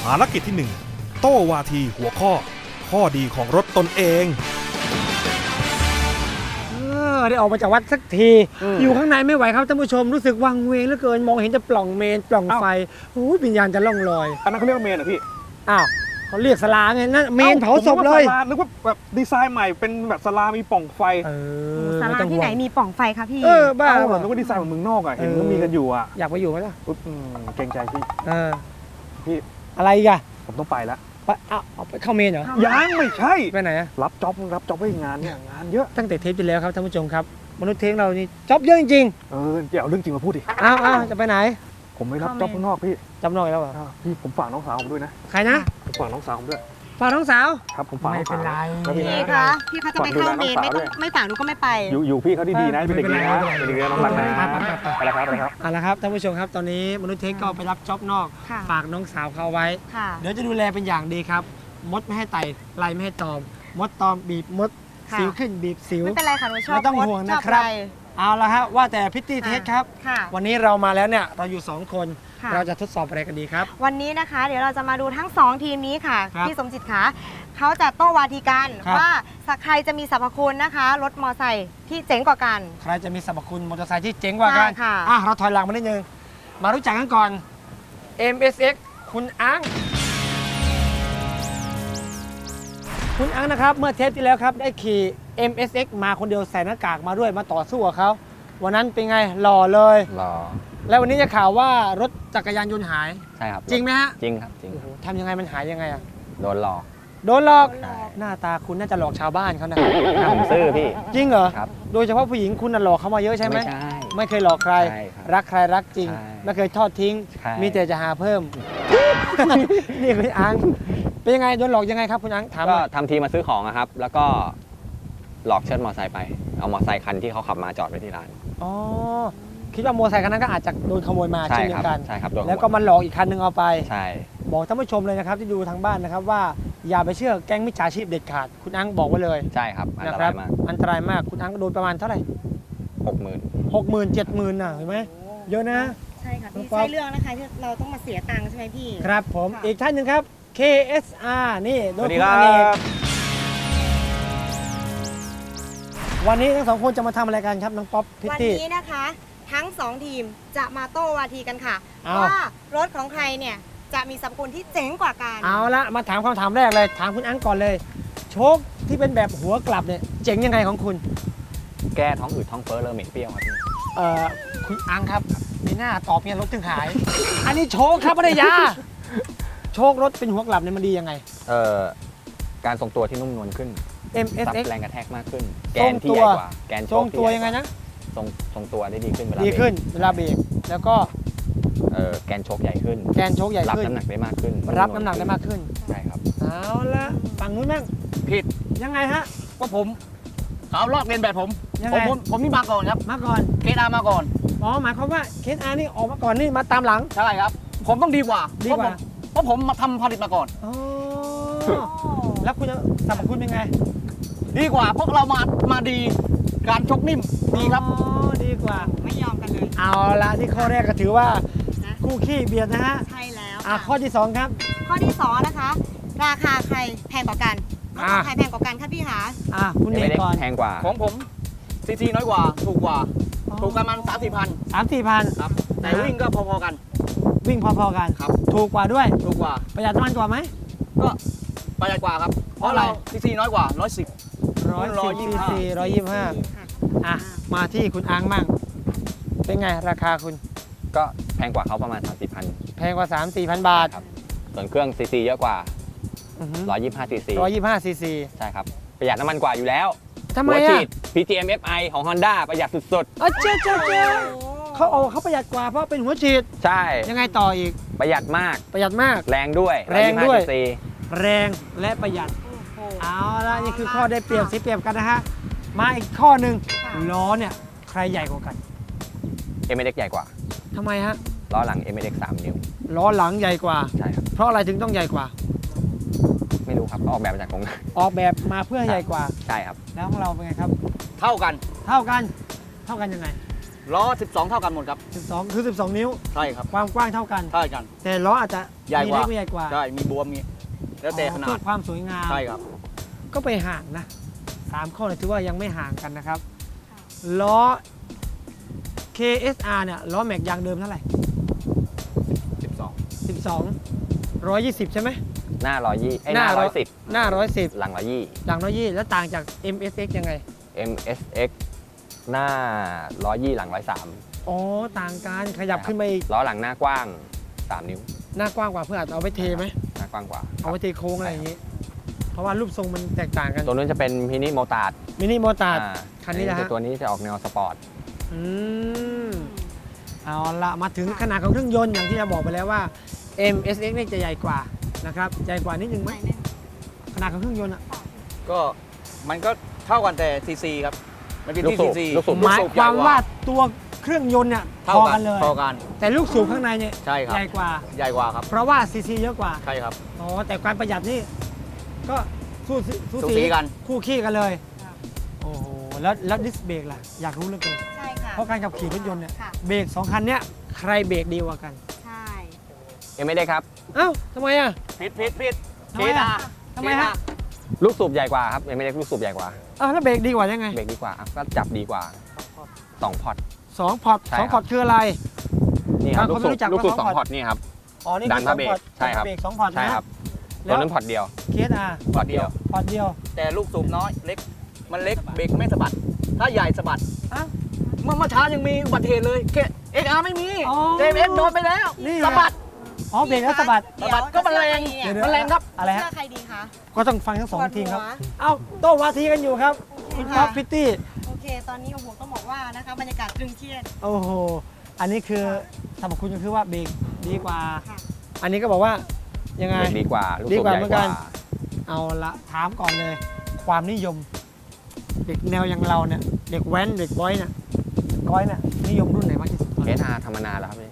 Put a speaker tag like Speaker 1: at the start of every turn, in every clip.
Speaker 1: ารกิจที่ 1 โต้วาทีหัวข้อดีของรถตนเอง
Speaker 2: ได้ออกมาจากวัดสักทีอยู่ข้างในไม่ไหวครับท่านผู้ชมรู้สึกวังเวงเหลือเกินมองเห็นแต่ปล่องเมนปล่องไฟวิญญาณจะล่องลอย
Speaker 3: อันนั้นเขาเรียกว่าเมนเหรอพี่
Speaker 2: อ้าวเขาเรียกศาลาไงนั่นเมนเผาศพเลย
Speaker 3: นึกว่าแบบดีไซน์ใหม่เป็นแบบศาลามีปล่องไฟ
Speaker 4: ศาลาที่ไหนมีปล่องไฟคะพี่
Speaker 2: บ้า
Speaker 3: เหมือนนึกว่าดีไซน์เหมือนเมืองนอกอ่ะเห็นก็มีกันอยู่อ่ะ
Speaker 2: อยากไปอยู่ไหมล่ะ
Speaker 3: เกรงใจพี่พี่
Speaker 2: อะไรอีกอะ
Speaker 3: ผมต้องไปแล้ว
Speaker 2: เอาไปเข้าเมนเหรอ
Speaker 3: ยังไม่ใช่
Speaker 2: ไปไหนอะ
Speaker 3: รับจ็อบไว้งานเนี่ยงานเยอะ
Speaker 2: ตั้งแต่เทปที่แล้วครับท่านผู้ชมครับมนุษย์เทคเรานี่จ็อบเยอะจริง
Speaker 3: อย่าเอาเรื่องจริงมาพูดดิ
Speaker 2: จะไปไหน
Speaker 3: ผมไม่รับจ็อบข้างนอกพี่
Speaker 2: จ็อบนอกแล้วเหรอ
Speaker 3: พี่ผมฝากน้องสาวผมด้วยนะ
Speaker 2: ใครนะ
Speaker 3: ผมฝากน้องสาวผมด้วย
Speaker 2: ฝากน้องสาว
Speaker 3: ครับผมฝาก
Speaker 2: ไม่เป็นไร
Speaker 4: พี่คะพี่เขาจะไปเข้าเมนไม่ฝากหนูก็ไม่ไป
Speaker 3: อยู่พี่เขาดีๆนะเป็นเด็กดีนะเป็นเด็กดีน้องรักนะไปแล้วครับ
Speaker 2: เอาละครับท่านผู้ชมครับตอนนี้มนุษย์เทคก็ไปรับจ็อบนอกฝากน้องสาวเขาไว้เดี๋ยวจะดูแลเป็นอย่างดีครับมดไม่ให้ไต่ไล่ไม่ให้ตอมมดตอมบีบมดสิวขึ้นบีบสิว
Speaker 4: ไม่เป็นไรค่ะหนูชอบ
Speaker 2: ไม่ต้องห่วงนะครับเอาละฮะว่าแต่พิตตี้เทสครับวันนี้เรามาแล้วเนี่ยเราอยู่2คนเราจะทดสอบอะไรกันดีครับ
Speaker 4: วันนี้นะคะเดี๋ยวเราจะมาดูทั้ง2ทีมนี้ค่ะพี่สมจิตคะเขาจะโต้วาทีกันว่าใครจะมีสรรพคุณนะคะรถมอไซค์ที่เจ๋งกว่ากัน
Speaker 2: ใครจะมีสรรพคุณมอเตอร์ไซค์ที่เจ๋งกว่ากันเราถอยหลังมานิดนึงมารู้จักกันก่อน MSX คุณอังคุณอังนะครับเมื่อเทปที่แล้วครับได้ขี่ MSX มาคนเดียวใส่หน้ากากมาด้วยมาต่อสู้กับเขาวันนั้นเป็นไงหล่อเลย
Speaker 5: หล่อ
Speaker 2: แล้ววันนี้จะข่าวว่ารถจักรยานยนต์หาย
Speaker 5: ใช่ครับ
Speaker 2: จริงไหมฮะ
Speaker 5: จริงครับจริง
Speaker 2: ทำยังไงมันหายยังไงอะ
Speaker 5: โดนหลอก
Speaker 2: หน้าตาคุณน่าจะหลอกชาวบ้านเขานะ
Speaker 5: ผมซื่อพี่
Speaker 2: จริงเหรอ
Speaker 5: ครับ
Speaker 2: โดยเฉพาะผู้หญิงคุณน่ะหลอกเขามาเยอะใช่ไหม
Speaker 5: ไม่ใช่
Speaker 2: ไม่เคยหลอกใครรักใครรักจริงไม่เคยทอดทิ้งมีแต่จะหาเพิ่มนี่คุณอังเป็นยังไงโดนหลอกยังไงครับคุณอังถาม
Speaker 5: ก็ทำทีมาซื้อของครับแล้วก็หลอกเชิดมอเตอร์ไซค์ไปเอามอเตอร์ไซค์คันที่เขาขับมาจอดไว้ที่ร้าน
Speaker 2: อ๋อคิดว่ามอเตอร์ไซค์คันนั้นก็อาจจะโดนขโมยมาเช่นเดียวกัน
Speaker 5: ใช่ครับ
Speaker 2: แล้วก็มันหลอกอีกคันนึงเอาไป
Speaker 5: ใช่
Speaker 2: บอกท่านผู้ชมเลยนะครับที่ดูทางบ้านนะครับว่าอย่าไปเชื่อแก๊งมิจฉาชีพเด็ดขาดคุณอังบอกไว้เลย
Speaker 5: ใช่ครับอันตรายมาก
Speaker 2: อันตรายมากคุณอังก็โดนประมาณเท่าไหร่
Speaker 5: 60,000
Speaker 2: 70,000น่ะเห็นไหมเยอะนะ
Speaker 4: ใช่ค่ะพี่ใช่เรื่องนะคะที่เราต้องมาเสียตังค์ใช่ไหมพี่
Speaker 2: ครับผมอีกท่านหนึ่งครับ KSR นี่
Speaker 3: สวัสดีครับ
Speaker 2: วันนี้ทั้งสองคนจะมาทำอะไรกันครับน้องป๊อปพิตตี้
Speaker 4: วันนี้นะคะทั้ง2ทีมจะมาโต้วาทีกันค่ะว่ารถของใครเนี่ยจะมีสรรพคุณที่เจ๋งกว่ากัน
Speaker 2: เอาละมาถามคำถามแรกเลยถามคุณอังก่อนเลยโชคที่เป็นแบบหัวกลับเนี่ยเจ๋งยังไงของคุณ
Speaker 5: แก้ท้องอืดท้องเฟ้อเลอะเหม็นเปรี้ยวครับพี่
Speaker 2: คุณอังครับในหน้าตอบเนี่ยรถถึงหาย อันนี้โชคครับภรรยาโชครถเป็นหัวกลับเนี่ยมันดียังไง
Speaker 5: การทรงตัวที่นุ่มนวลขึ้น
Speaker 2: MSX
Speaker 5: แรงกระแทกมากขึ้นแกนที่ใหญ่กว่าแกนโชค
Speaker 2: ตัวยังไงนะ
Speaker 5: ทรงตัวได้ดีขึ้น
Speaker 2: เวลาเบรกแล้วก็
Speaker 5: แกนโชคใหญ่ขึ้น
Speaker 2: รับ
Speaker 5: น้ำหนักได้มากขึ้น
Speaker 2: ใช่ครับเอาละฝั่งนู้นนั่ง
Speaker 6: ผิด
Speaker 2: ยังไงฮะ
Speaker 6: ว่าผมเขาลอกเรียนแบบผมนี่มาก่อนครับ
Speaker 2: มาก่อน
Speaker 6: เคสอาร์มาก่อน
Speaker 2: หมายความว่าเคสอาร์นี่ออกมาก่อนนี่มาตามหลัง
Speaker 6: ใช่ครับผมต้องดีกว่าเพราะผมมาทำผลิตมาก่อน
Speaker 2: แล้วคุณสรรพคุณเป็นไง
Speaker 6: ดีกว่าพวกเรามาดีการชกนิ่มดีครับ
Speaker 2: ดีกว่า
Speaker 4: ไม่ยอมกันเลย
Speaker 2: เอาละที่ข้อแรกก็ถือว่าคู่ขี้เบียดนะฮะ
Speaker 4: ใช่แล้ว
Speaker 2: ข้อที่2ครับ
Speaker 4: ข้อที่2นะคะราคาใครแพงกว่ากันใครแพงกว่ากันครับพี่หา
Speaker 2: คุณเอกก่อน
Speaker 5: แพงกว่า
Speaker 6: ของผมซีซีน้อยกว่าถูกกันมัน
Speaker 2: 3-4,000
Speaker 6: ครับแต่วิ่งก็พอๆกัน
Speaker 2: วิ่งพอๆกัน
Speaker 6: ครับ
Speaker 2: ถูกกว่าด้วยประหยัดน้ำมันกว่าไหม
Speaker 6: ก็ประหยัดกว่าครับเพราะเราซีซีน้อยกว่า
Speaker 2: 125มาที่คุณอังมั่งเป็นไงราคาคุณ
Speaker 5: ก็แพงกว่าเขาประมาณ 30,000
Speaker 2: แพงกว่า 3-4,000 บาท
Speaker 5: ครับส่วนเครื่องซีซีเยอะกว่า125ซีซีใช่ครับประหยัดน้ำมันกว่าอยู่แล้ว
Speaker 2: ทำไม
Speaker 5: อ่ะ PGM FI ของ Honda ประหยัดสุด
Speaker 2: ๆเจ๊เขาประหยัดกว่าเพราะเป็นหัวฉีด
Speaker 5: ใช่
Speaker 2: ยังไงต่ออีก
Speaker 5: ประหยัดมาก
Speaker 2: แรงด้วยแรงและประหยัดเอาละนี่คือข้อได้เปรียบเสียเปรียบกันนะฮะมาอีกข้อหนึ่งล้อเนี่ยใครใหญ่กว่ากัน
Speaker 5: MSX ใหญ่กว่า
Speaker 2: ทำไมฮะ
Speaker 5: ล้อหลัง MSX 3 นิ้ว
Speaker 2: ล้อหลังใหญ่กว่า
Speaker 5: ใช่ครับ
Speaker 2: เพราะอะไรถึงต้องใหญ่กว่า
Speaker 5: ไม่รู้ครับออกแบบมาจากของ
Speaker 2: ออกแบบมาเพื่อใหญ่กว่า
Speaker 5: ใช่ครับ
Speaker 2: แล้วของเราเป็นไงครับ
Speaker 6: เท่ากัน
Speaker 2: ยังไง
Speaker 6: ล้อ 12 เท่ากันหมดครับ
Speaker 2: 12 คือ 12 นิ้ว
Speaker 6: ใช่ครับ
Speaker 2: ความกว้างเท่ากัน
Speaker 6: ใช่กัน
Speaker 2: แต่ล้ออาจจะ
Speaker 6: ใหญ่
Speaker 2: มี
Speaker 6: กว่า
Speaker 2: เล็กมีใหญ่กว่า
Speaker 6: ใช่มีบวมมีแล้วแต่ขนา
Speaker 2: เพื่
Speaker 6: ด
Speaker 2: อความสวยงาม
Speaker 6: ใช่ครับ
Speaker 2: ก็ไปห่างนะ3ข้อเนี่ยถือว่ายังไม่ห่างกันนะครับล้อ KSR เนี่ยล้อแม็กยางเดิมเท่าไหร่
Speaker 6: 12
Speaker 2: 120 ใช่ไหม
Speaker 5: หน้า120ไอ้ห
Speaker 2: หน้า
Speaker 5: น้า
Speaker 2: หน้า
Speaker 5: 110 หลัง
Speaker 2: หลัง120แล้วต่างจาก MSX ยังไง
Speaker 5: 120 MSX หน้า120 หลัง 103
Speaker 2: อ๋อ ต่างกันขยับขึ้นไปอีก
Speaker 5: ล้อหลังหน้ากว้าง 3 นิ้ว
Speaker 2: หน้ากว้างกว่าเพื่ออาจจะเอาไปเทไหม
Speaker 5: หน้ากว้างกว่า
Speaker 2: เอาไปเทโค้งอะไรอย่างนี้ เพราะว่ารูปทรงมันแตกต่างกัน
Speaker 5: ตัวนู้นจะเป็นมินิโมตาร์ด
Speaker 2: มินิโมตาร์ด คันนี้นะฮะ
Speaker 5: ตัวนี้จะออกแนวสปอร์ต
Speaker 2: อืมเอาละมาถึงขนาดของเครื่องยนต์อย่างที่เราบอกไปแล้วว่า MSX นี่จะใหญ่กว่านะครับใหญ่กว่านิดนึงไหมขนาดของเครื่องยนต์อะ
Speaker 6: ก็มันก็เท่ากันแต่ซีซีครับมันเป็น
Speaker 5: ลูก
Speaker 6: ที่
Speaker 5: สู
Speaker 6: ซี
Speaker 5: บ
Speaker 6: ซี
Speaker 5: ลูกสูบ
Speaker 2: หมายความว่าตัวเครื่องยนต์เนี่ยพ
Speaker 6: เท่า
Speaker 2: อ
Speaker 6: กั
Speaker 2: กัน นเลย
Speaker 6: เท่ากัน
Speaker 2: แต่ลูกสูบข้างในเนี่ย
Speaker 6: ใช่ครับ
Speaker 2: ใหญ่กว่า
Speaker 6: ใหญ่กว่าครับ
Speaker 2: เพราะว่าซีซีเยอะกว่า
Speaker 6: ใช่ครับ
Speaker 2: อ๋อแต่การประหยัดนี่ก็สู้
Speaker 6: สูสีกัน
Speaker 2: คู่ขี้กันเลยโอ้โหแล้วดิสเบรกล่ะอยากรู้เหลือเกิน
Speaker 4: ใช่ค่ะ
Speaker 2: เพราะการขับขี่รถยนต์เนี่ย
Speaker 4: ค่ะ
Speaker 2: เบรก2 คันเนี้ยใครเบรกดีกว่ากัน
Speaker 4: ใช่
Speaker 5: ยังไม่ได้ครับ
Speaker 2: เอ้าทำไมอ่ะ
Speaker 6: ผิด
Speaker 2: ทำไมอะทำไมฮะ
Speaker 5: ลูกสูบใหญ่กว่าครับยังไม่ได้ลูกสูบใหญ่กว่า
Speaker 2: อ้าวแล้วเบรกดีกว่ายังไง
Speaker 5: เบรกดีกว่าอ่ะก็จับดีกว่า2 พอร์ต
Speaker 2: 2 พอร์ต
Speaker 5: ใช่ครับ
Speaker 2: 2 พอร์ตคืออะไร
Speaker 5: นี่ครับ
Speaker 2: บางคนไม่รู้จัก
Speaker 5: ลูกสูบ
Speaker 2: ว่า
Speaker 5: 2 พอร์ตนี่ครับ
Speaker 2: อ๋อนี่
Speaker 5: ดั
Speaker 2: คื
Speaker 5: น
Speaker 2: อ
Speaker 5: ผ้า
Speaker 2: 2
Speaker 5: เบรก
Speaker 2: พอร์ต
Speaker 5: ใช่ครับ
Speaker 2: เบรก2 พอร์ต
Speaker 5: ใช่
Speaker 2: นะครับ
Speaker 5: ตัวนั้นพอร์ตเดียว
Speaker 2: KSR
Speaker 5: พอร์ตเดียว
Speaker 2: พอร์ตเดียว
Speaker 6: แต่ลูกสูบน้อยเล็กมันเล็กเบรกไม่สะบัด ถ้าใหญ่สะบัด
Speaker 2: อ้าว
Speaker 6: เมื่อเช้ายังมีอุบัติเหตุเลยเอ็กอาร์ไม่มี
Speaker 2: อ๋อ
Speaker 6: เอ็มโดนไปแล้ว
Speaker 2: นี่ไง
Speaker 6: สะบัด
Speaker 2: อ๋อเบรกแล้วสะบัด
Speaker 6: สะบัดก็มันแรง
Speaker 2: เดี๋ยว
Speaker 6: มันแรงครับ
Speaker 2: อะไรฮะ
Speaker 4: เชื่อใครดีคะ
Speaker 2: ก็ต้องฟังทั้งสอง
Speaker 4: ปวดหัว
Speaker 2: ทีมครับ เอ้าโต้วาทีกันอยู่ครับคุณป๊อปพิตตี้
Speaker 4: โอเค ตอนนี้โอ้โหต้องบอกว่านะคะบรรยากาศตรึงเครียด
Speaker 2: โอ้โห อันนี้คือสรรพคุณก็คือว่าเบรกดีกว่า
Speaker 4: ค่ะ
Speaker 2: อันนี้ก็บอกว่ายังไง
Speaker 5: เบรกดีกว่า ลูก
Speaker 2: ดี
Speaker 5: สูบ
Speaker 2: กว่า
Speaker 5: ใหญ่
Speaker 2: เหมือน
Speaker 5: ก
Speaker 2: กั
Speaker 5: ว่า
Speaker 2: น เอาละถามก่อนเลย ความนิยม เด็กแนวอย่างเราเนี่ย เด็กแว้นเด็กบอยเนี่ยนิยมรุ่นไหนมากที่สุด
Speaker 5: เคสอาร์ทำมานานแล้วครับนี่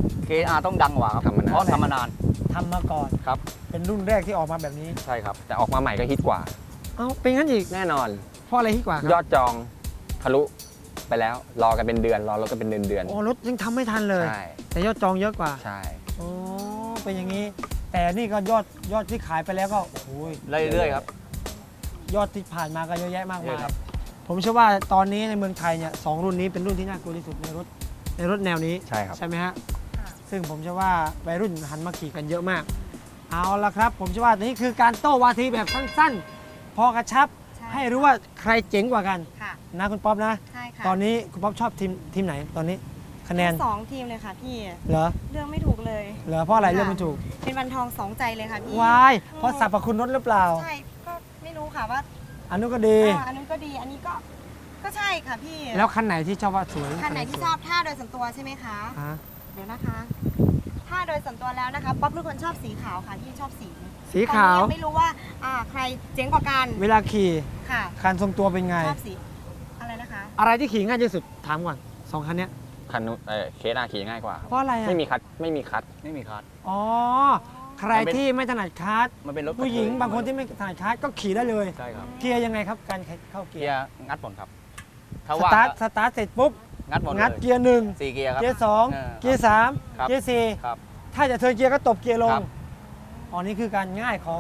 Speaker 6: KR ต้องดังกว่าครับ
Speaker 5: ทำมานาน
Speaker 6: เพราะทำมานาน
Speaker 2: ทำมาก่อน
Speaker 6: ครับ
Speaker 2: เป็นรุ่นแรกที่ออกมาแบบนี้
Speaker 6: ใช่ครับ
Speaker 5: แต่ออกมาใหม่ก็ฮิตกว่า
Speaker 2: เอ้าเป็นงั้นอีก
Speaker 5: แน่นอน
Speaker 2: เพราะอะไรที่กว่าค
Speaker 5: ย
Speaker 2: รั
Speaker 5: อดจองทะลุไปแล้ว รอกันเป็นเดือน รอรถกันเป็นเดือน
Speaker 2: โอ้รถยังทำไม่ทันเลย
Speaker 5: ใช่
Speaker 2: แต่ยอดจองเยอะกว่า
Speaker 5: ใช่
Speaker 2: โอ้เป็นอย่างนี้ แต่นี่ก็ยอดที่ขายไปแล้วก็โอ้โห
Speaker 6: เรื่อยๆครับ
Speaker 2: ยอดที่ผ่านมาก็เยอะแยะมาก
Speaker 6: เย
Speaker 2: มาย
Speaker 6: อะครับ
Speaker 2: ผมเชื่อว่าตอนนี้ในเมืองไทยเนี่ยสองรุ่นนี้เป็นรุ่นที่น่ากลัวที่สุดในรถแนวนี้
Speaker 5: ใช่ครับ
Speaker 2: ใช่ไหมฮะ ซึ่งผมเชื่อว่าวัยรุ่นหันมาขี่กันเยอะมาก เอาละครับ ผมเชื่อว่านี่คือการโต้วาทีแบบสั้นๆ พอกระชับ
Speaker 4: ใช่
Speaker 2: ให้รู้ว่าใครเจ๋งกว่ากัน
Speaker 4: ค่ะ
Speaker 2: นะคุณป๊อปนะ
Speaker 4: ใช่ค่ะ
Speaker 2: ตอนนี้คุณป๊อปชอบทีมไหนตอนนี้คะแนน
Speaker 4: ทั้งสองทีมเลยค่ะพี่
Speaker 2: เหรอ
Speaker 4: เรื่องไม่ถูกเลย
Speaker 2: เหรอเพราะอะไรเรื่องมันถูก
Speaker 4: เป็นวันทองสองใจเลยค่ะพี่
Speaker 2: วายเพราะสรรพคุณรถหรือเปล่า
Speaker 4: ใช่ ก็ไม่รู้ค่ะว่า
Speaker 2: อันนู้นก็ดี
Speaker 4: อันนู้นก็ดี อันนี้ก็ใช่ค่ะพี่
Speaker 2: แล้วคันไหนที่ชอบว่าสวย
Speaker 4: คันไหนที่ชอบท่าโดยส่วนตัวใช่ไหมคะ
Speaker 2: ฮะ
Speaker 4: เดี๋ยวนะคะ ถ้าโดยส่วนตัวแล้วนะคะ ป๊อปเป็นคนชอบสีขาวค่ะที่ชอบสี
Speaker 2: สีขาว
Speaker 4: ตอนนี้ยังไม่รู้ว่าใครเจ๋งกว่ากัน
Speaker 2: เวลาขี่
Speaker 4: ค่ะ
Speaker 2: คันทรงตัวเป็นไง
Speaker 4: ชอบสี อะไรนะคะ
Speaker 2: อะไรที่ขี่ง่ายที่สุดถามก่อนสองคันเนี้ย
Speaker 5: คันนู้นเคสอาร์ขี่ง่ายกว่าครับ
Speaker 2: เพราะอะไรอ่ะ
Speaker 5: ไม่มีคัดไม่มีคัด
Speaker 6: ไม่มีคัส
Speaker 2: อ๋อ ใครที่ไม่ถนัดคาร์ท
Speaker 6: มันเป็นรถ
Speaker 2: ผู้หญิงบางคนที่ไม่ถนัดคาร์ทก็ขี่ได้เลย
Speaker 6: ใช่ครับ
Speaker 2: เกียร์ยังไงครับการเข้าเกี
Speaker 6: เกี
Speaker 2: ย
Speaker 6: ย
Speaker 2: ร์
Speaker 6: ร์งัดผลครับ ถ้า
Speaker 2: ส
Speaker 6: ว่า
Speaker 2: ตาร์ทเสร็จปุ๊บ
Speaker 6: งัดหมด
Speaker 2: งัด
Speaker 6: เลย
Speaker 2: เกียร์หนึ่ง
Speaker 6: 4 เกียร์ครับ
Speaker 2: เกียร์สอง
Speaker 6: เออ
Speaker 2: เกียร์สาม
Speaker 6: ครับ
Speaker 2: เกียร์สี่
Speaker 6: ครับ
Speaker 2: ถ้าจะเทิร์นเกียร์ก็ตบเกียร์ลง
Speaker 6: ครับ
Speaker 2: อ๋อนี่คือการง่ายของ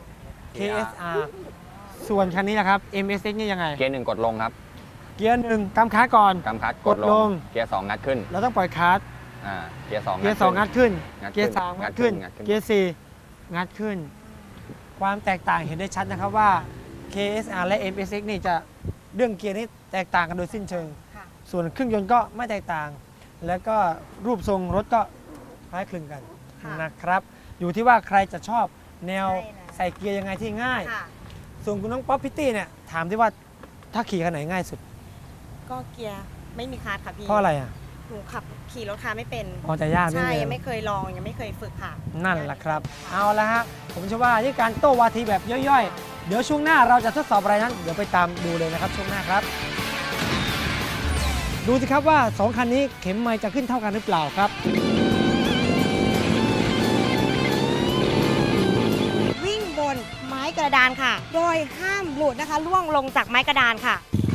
Speaker 6: KSR
Speaker 2: KSR ส่วนคันนี้นะครับ MSX นี่ยังไง
Speaker 5: เกียร์หนึ่งกดลงครับ
Speaker 2: เกียร์หนึ่งกำคาร์ทก่อน
Speaker 5: กำคัด
Speaker 2: ก
Speaker 5: ก
Speaker 2: ด
Speaker 5: ด
Speaker 2: ล
Speaker 5: ล
Speaker 2: ง
Speaker 5: ง เกียร์สองงัดขึ้น
Speaker 2: เราต้องปล่อยคาร์ท
Speaker 5: เกียร์สอง
Speaker 2: เกียร์สองงัดขึ้น
Speaker 5: งัดขึ้น
Speaker 2: เกียร์สามงัดขึ้น
Speaker 5: งัดขึ้น
Speaker 2: เกียร์สี่งัดขึ้น ความแตกต่างเห็นได้ชัดนะครับว่า KSR และ MSX นี่จะเรื่องเกียร์นี่แตกต่างกันโดยสิ้นเชิง
Speaker 4: ค่ะ
Speaker 2: ส่วนเครื่องยนต์ก็ไม่แตกต่าง แล้วก็รูปทรงรถก็คล้ายคลึงกัน
Speaker 4: ค่ะ
Speaker 2: นะครับ อยู่ที่ว่าใครจะชอบแนว
Speaker 4: ใช่แล้ว
Speaker 2: ใส่เกียร์ยังไงที่ง่าย
Speaker 4: ค่ะ
Speaker 2: ส่วนคุณน้องป๊อปพิตตี้เนี่ยถามที่ว่าถ้าขี่คันไหนง่ายสุด
Speaker 4: ก็เกียร์ไม่มีคาร์ทค่ะพี่
Speaker 2: เพราะอะไรอ่ะ
Speaker 4: หนูขับขี่รถคาร์ไม่เป็น
Speaker 2: อ๋อแต่ยากนิด
Speaker 4: ใช่
Speaker 2: นึ
Speaker 4: ยัง
Speaker 2: ง
Speaker 4: ไม่เคยลองยังไม่เคยฝึกค่ะ
Speaker 2: นั่นแหละครับ เอาละฮะผมเชื่อว่านี่การโต้วาทีแบบย่อยๆ เดี๋ยวช่วงหน้าเราจะทดสอบอะไรนั้น เดี๋ยวไปตามดูเลยนะครับช่วงหน้าครับ ดูสิครับว่า2คันนี้เข็มไมล์จะขึ้นเท่ากันหรือเปล่าครับ
Speaker 4: วิ่งบนไม้กระดานค่ะ โดยห้ามหลุดนะคะล่วงลงจากไม้กระดานค่ะ